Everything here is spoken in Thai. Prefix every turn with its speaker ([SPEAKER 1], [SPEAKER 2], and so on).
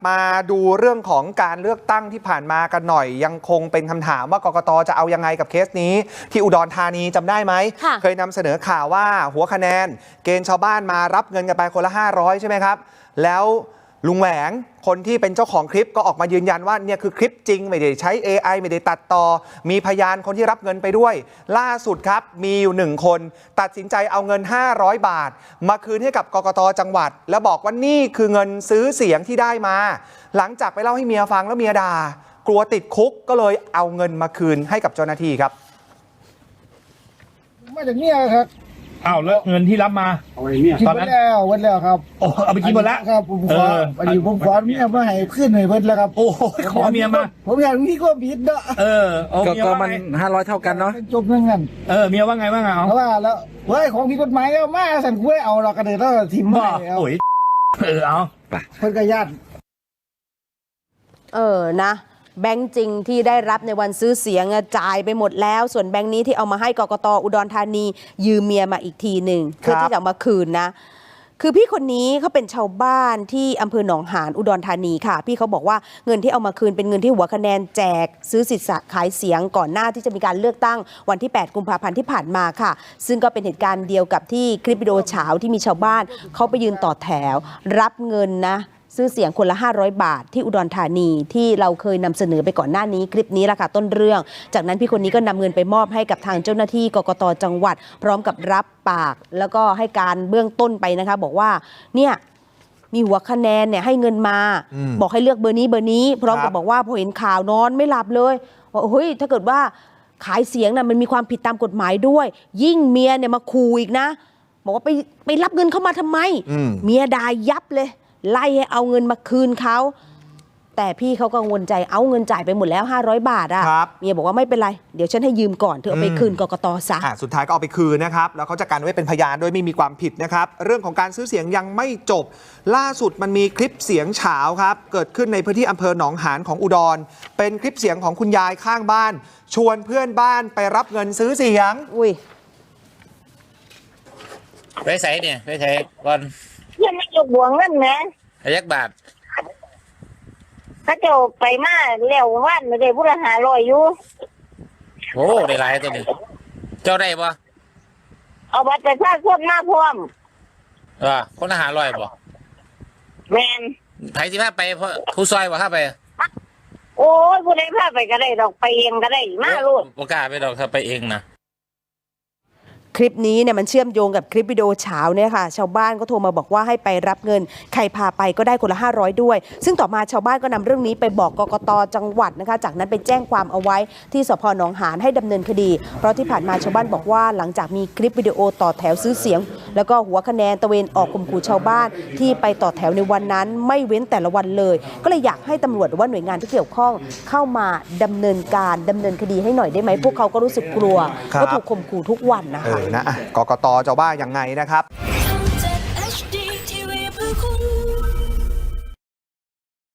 [SPEAKER 1] มาดูเรื่องของการเลือกตั้งที่ผ่านมากันหน่อยยังคงเป็นคำถามว่ากกต.จะเอายังไงกับเคสนี้ที่อุดรธานีจำได้ไหมเคยนำเสนอข่าวว่าหัวคะแนนเกณฑ์ชาวบ้านมารับเงินกันไปคนละ500ใช่ไหมครับแล้วลุงแหวงคนที่เป็นเจ้าของคลิปก็ออกมายืนยันว่าเนี่ยคือคลิปจริงไม่ได้ใช้ AI ไม่ได้ตัดต่อมีพยานคนที่รับเงินไปด้วยล่าสุดครับมีอยู่1คนตัดสินใจเอาเงิน500 บาทมาคืนให้กับกกต.จังหวัดแล้วบอกว่านี่คือเงินซื้อเสียงที่ได้มาหลังจากไปเล่าให้เมียฟังแล้วเมียด่ากลัวติดคุกก็เลยเอาเงินมาคืนให้กับเจ้าหน้าที่ครับ
[SPEAKER 2] มาจากเนี่ยครับ
[SPEAKER 3] อ้าวแล้วเงินที่รับมา
[SPEAKER 2] เอาไปเนี่ยกินหมดแล้ววันแล้วครับ
[SPEAKER 3] โอ้เอาไปกินหมดแล้ว
[SPEAKER 2] ครับผมขออันนี้ผมขอเมียมาให้ขึ้นให้เพิ่นแล้วครับ
[SPEAKER 3] โอ้ขอเมียมา
[SPEAKER 2] ผมอยากมีความผิดเนาะ
[SPEAKER 4] ก็มัน500เท่ากันเนาะ
[SPEAKER 2] จบเงิน
[SPEAKER 3] เมียว่าไงว่าไงเอา
[SPEAKER 2] ว่าแล้วเฮ้ยของผิดกฎหมายแล้วมาสั่นคุยเอาเรากันเลยแล้วทิมไม่
[SPEAKER 3] เอาโอ้ยเอา
[SPEAKER 2] เพิ่นก็ญาติ
[SPEAKER 5] นะแบงค์จริงที่ได้รับในวันซื้อเสียงจ่ายไปหมดแล้วส่วนแบงค์นี้ที่เอามาให้กกต.อุดรธานียืมเมียมาอีกทีหนึ่งเพื่อที่จะเอามาคืนนะคือพี่คนนี้เขาเป็นชาวบ้านที่อำเภอหนองหานอุดรธานีค่ะพี่เขาบอกว่าเงินที่เอามาคืนเป็นเงินที่หัวคะแนนแจกซื้อสิทธิ์ขายเสียงก่อนหน้าที่จะมีการเลือกตั้งวันที่8กุมภาพันธ์ที่ผ่านมาค่ะซึ่งก็เป็นเหตุการณ์เดียวกับที่คลิปวิดีโอเฉาที่มีชาวบ้านเขาไปยืนต่อแถวรับเงินนะซื้อเสียงคนละ500 บาทที่อุดรธานีที่เราเคยนำเสนอไปก่อนหน้านี้คลิปนี้แหละค่ะต้นเรื่องจากนั้นพี่คนนี้ก็นำเงินไปมอบให้กับทางเจ้าหน้าที่กกต.จังหวัดพร้อมกับรับปากแล้วก็ให้การเบื้องต้นไปนะคะบอกว่าเนี่ยมีหัวคะแนนเนี่ยให้เงินมาบอกให้เลือกเบอร์นี้พร้อมกับบอกว่าพอเห็นข่าวนอนไม่หลับเลยว่าเฮ้ยถ้าเกิดว่าขายเสียงน่ะมันมีความผิดตามกฎหมายด้วยยิ่งเมียเนี่ยมาขู่อีกนะบอกว่าไปรับเงินเข้ามาทำไมเมียด่ายับเลยไล่ให้เอาเงินมาคืนเขาแต่พี่เขากังวลใจเอาเงินจ่ายไปหมดแล้ว500 บาทอ่ะเมียบอกว่าไม่เป็นไรเดี๋ยวฉันให้ยืมก่อนเธอเอาไปคืนกกต.ซะ
[SPEAKER 1] สุดท้ายก็เอาไปคืนนะครับแล้วเขาจะกันไว้เป็นพยานด้วยไม่มีความผิดนะครับเรื่องของการซื้อเสียงยังไม่จบล่าสุดมันมีคลิปเสียงเฉาครับเกิดขึ้นในพื้นที่อำเภอหนองหานของอุดรเป็นคลิปเสียงของคุณยายข้างบ้านชวนเพื่อนบ้านไปรับเงินซื้อเสียง
[SPEAKER 6] ไปใส่เนี่ยไปใส่ก่อน
[SPEAKER 7] ยังไม่จบบ่วงเงินนะ
[SPEAKER 6] ยักบาท
[SPEAKER 7] เขาจะไปมาแล้ววันไม่ได้พุทธ500อยู่
[SPEAKER 6] โอ้ได้หลายตัวนี้เจ้าได้ปะ
[SPEAKER 7] เอาบัตรประชาชนมาพร้อม
[SPEAKER 6] คนละ500ปะ
[SPEAKER 7] แมน
[SPEAKER 6] ไผสิพาไปผู้ซอยบ่พาไป
[SPEAKER 7] โอ้ยผู้ใดพาไปก็ได้ดอกไปเองก็ได้มาลูก
[SPEAKER 6] บ่กล้าไปดอกถ้าไปเองนะ
[SPEAKER 5] คลิปนี้เนี่ยมันเชื่อมโยงกับคลิปวิดีโอเช้าเนี่ยค่ะชาวบ้านก็โทรมาบอกว่าให้ไปรับเงินใครพาไปก็ได้คนละ500ด้วยซึ่งต่อมาชาวบ้านก็นำเรื่องนี้ไปบอกกกต.จังหวัดนะคะจากนั้นไปแจ้งความเอาไว้ที่สพ.หนองหานให้ดำเนินคดีเพราะที่ผ่านมาชาวบ้านบอกว่าหลังจากมีคลิปวิดีโอต่อแถวซื้อเสียงแล้วก็หัวคะแนนตะเวนออกข่มขู่ชาวบ้านที่ไปต่อแถวในวันนั้นไม่เว้นแต่ละวันเลยก็เลยอยากให้ตำรวจหรือว่าหน่วยงานที่เกี่ยวข้องเข้ามาดำเนินคดีให้หน่อยได้ไหมพวกเขาก็รู้สึกกลัวก็ถูกข่มขู่ทุกวันนะคะ
[SPEAKER 1] กกต.จะว่ายังไงนะครับ